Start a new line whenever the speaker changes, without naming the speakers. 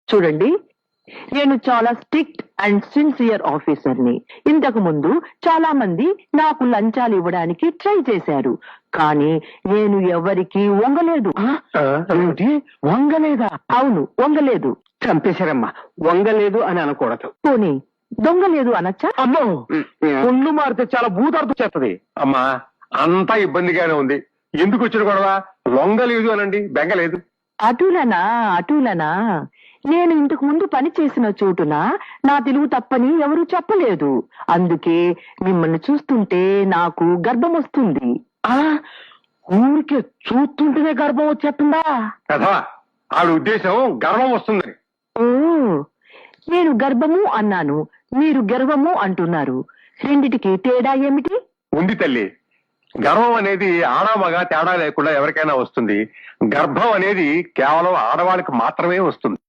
చూడండి, నేను చాలా స్ట్రిక్ట్ అండ్ సిన్సియర్ ఆఫీసర్ని. ఇంతకు ముందు చాలా మంది నాకు లంచాలు ఇవ్వడానికి ట్రై చేశారు, కానీ నేను ఎవరికి వంగలేదు.
ఏమిటి వంగలేదా?
అవును, వంగలేదు.
చంపేశారమ్మా. వంగలేదు అని అనకూడదు.
పోనీ దొంగలేదు అనొచ్చా?
అమ్మో, ఒళ్ళు మారితే చాలా భూతార్థం చేస్తది.
అమ్మా అంతా ఇబ్బందిగానే ఉంది. ఎందుకు వచ్చిన గొడవ? లొంగలేదు అనండి, బెంగలేదు.
అటులనా అటులనా? నేను ఇంతకు ముందు పని చేసిన చోటున నా తెలుగు తప్పని ఎవరూ చెప్పలేదు. అందుకే మిమ్మల్ని చూస్తుంటే నాకు గర్భం వస్తుంది.
ఊరికే చూస్తుంటేనే గర్భం వచ్చేస్తుందా?
కదా ఆవిడ ఉద్దేశం గర్వం వస్తుందని.
ఓ, నేను గర్భము అన్నాను, మీరు గర్వము అంటున్నారు. రెండిటికి తేడా ఏమిటి?
ఉంది తల్లి. గర్వం అనేది ఆడమగ తేడా లేకుండా ఎవరికైనా వస్తుంది. గర్భం అనేది కేవలం ఆడవాళ్ళకి మాత్రమే వస్తుంది.